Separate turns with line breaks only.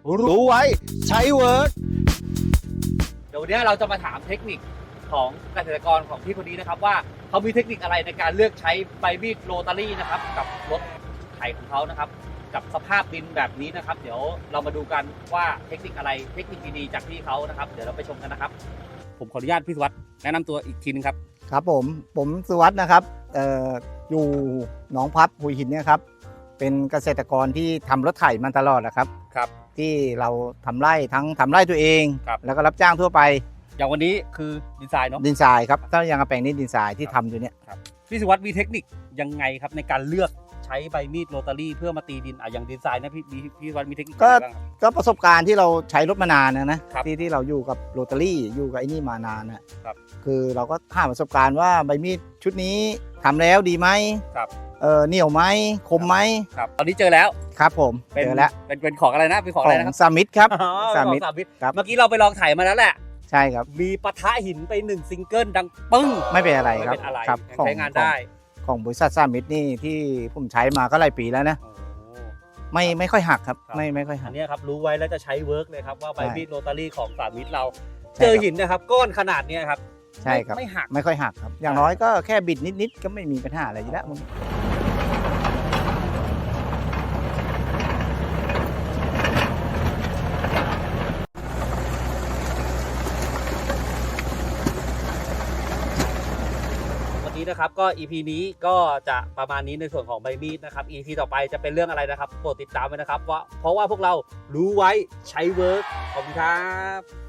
รู้ไว้ใช้เวิร์ก
เดี๋ยววันนี้เราจะมาถามเทคนิคของเกษตรกรของพี่คนนี้นะครับว่าเขามีเทคนิคอะไรในการเลือกใช้ใบมีดโรตารี่นะครับกับรถไถของเขานะครับกับสภาพดินแบบนี้นะครับเดี๋ยวเรามาดูกันว่าเทคนิคอะไรเทคนิคดีๆจากพี่เขานะครับเดี๋ยวเราไปชมกันนะครับผมขออนุญาตพี่สุวัสดิ์แนะนำตัวอีกทีนึงครับ
ครับผมสุวัสด์นะครับอยู่หนองพับหุยหินเนี่ยครับเป็นเกษตรกรที่ทำรถไถมันตลอดนะครับ
ครับ
ที่เราทำไร่ทั้งทำไร่ตัวเอง
ครับ
แล้วก็รับจ้างทั่วไป
อย่างวันนี้คือดีไซน์เนาะ
ดินทรายครับถ้ายังกระแปลงนี้ดินทรายที่ทำอยู่เนี่ย
พี่สุวัสดิ์มีเทคนิคยังไงครับในการเลือกใช้ใบมีดโรตารี่เพื่อมาตีดินอย่างดีไซน์นะพี่สุวัสดิ์มีเทคนิคอะไรบ้างครับ
ก็ประสบการณ์ที่เราใช้รถมานานนะครับ ที่เราอยู่กับโรตารี่อยู่กับไอ้นี่มานานนะครับ คือเราก็หาประสบการณ์ว่าใบมีดชุดนี้ทำแล้วดีไหม
ครับ
เหนียวไหมคมไหม
ครับตอนนี้เจอแล้ว
ครับผมเจอแล้ว
เป็นของอะไรนะเป็นของ
ข
อะไร
อง
นะครับ
สามิธครับ
อ๋อ
สามิธ
ของสามิธ
ครับ
เมื่อกี้เราไปลองถ่ายมาแล้วแหละ
ใช่ครับ
มีปะทะหินไป1ซิงเกิลดังปึ้ง
ไม่เป็นอะไรครับ
ไม่เป็นอะไร
ครับ
ยังใช้งานได้
ของบริษัทสามิธนี่ที่ผมใช้มาก็หลายปีแล้วนะ
โอ้โห
ไม่ค่อยหักครับ
ครับ
ไม่ค่อยหั
อั
ก
นเนี้ยครับรู้ไว้แล้วจะใช้เวิร์กเลยครับว่าใบ
ใช่
มีดโรตารี่ของสามิธเรา
ใช่
เจอ
ครับ
หินนะครับก้อนขนาดเนี้ยครับ
ใช่ครับ
ไม่หัก
ไม่ค่อยหักครับ อย่างน้อยก็แค่บิดนิดๆก็ไม่มีปัญหาอะไรอยู่แล้วมัน
วันนี้นะครับก็ EP นี้ก็จะประมาณนี้ในส่วนของใบมีดนะครับ EP ต่อไปจะเป็นเรื่องอะไรนะครับโปรดติดตามไว้นะครับว่าเพราะว่าพวกเรารู้ไว้ใช้เวิร์กขอบคุณครับ